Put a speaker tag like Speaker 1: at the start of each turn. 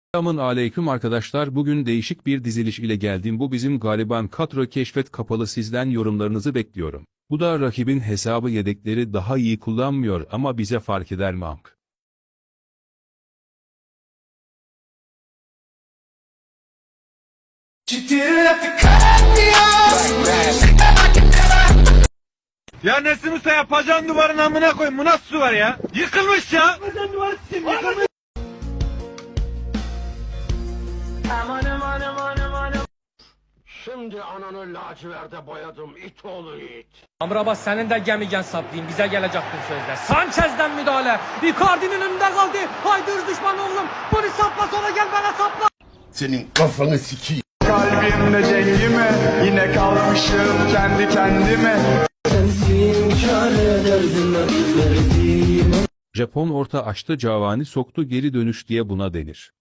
Speaker 1: Selamun aleyküm arkadaşlar, bugün değişik bir diziliş ile geldim. Bu bizim galiban kadro keşfet kapalı, sizden yorumlarınızı bekliyorum. Bu da rakibin hesabı, yedekleri daha iyi kullanmıyor ama bize fark eder mi amk?
Speaker 2: Ya Nesim Usta, yapacağın duvarın amına koyayım, bu nasıl duvar ya? Yıkılmış ya! Yapacağın duvar sim, yıkılmış!
Speaker 3: Şimdi ananı laciverde boyadım it oğlu it.
Speaker 4: Amrabat, senin de gemigen saplayayım, bize gelecektin sözler. Sanchez'den müdahale. Icardi'nin önünde kaldı. Haydi hırs düşman oğlum. Bunu sapla, sonra gel bana sapla.
Speaker 3: Senin kafanı sikeyim.
Speaker 5: Kalbimde dengime yine kalmışım kendi kendime.
Speaker 1: Japon orta açtı, Cavani soktu, geri dönüş diye buna denir.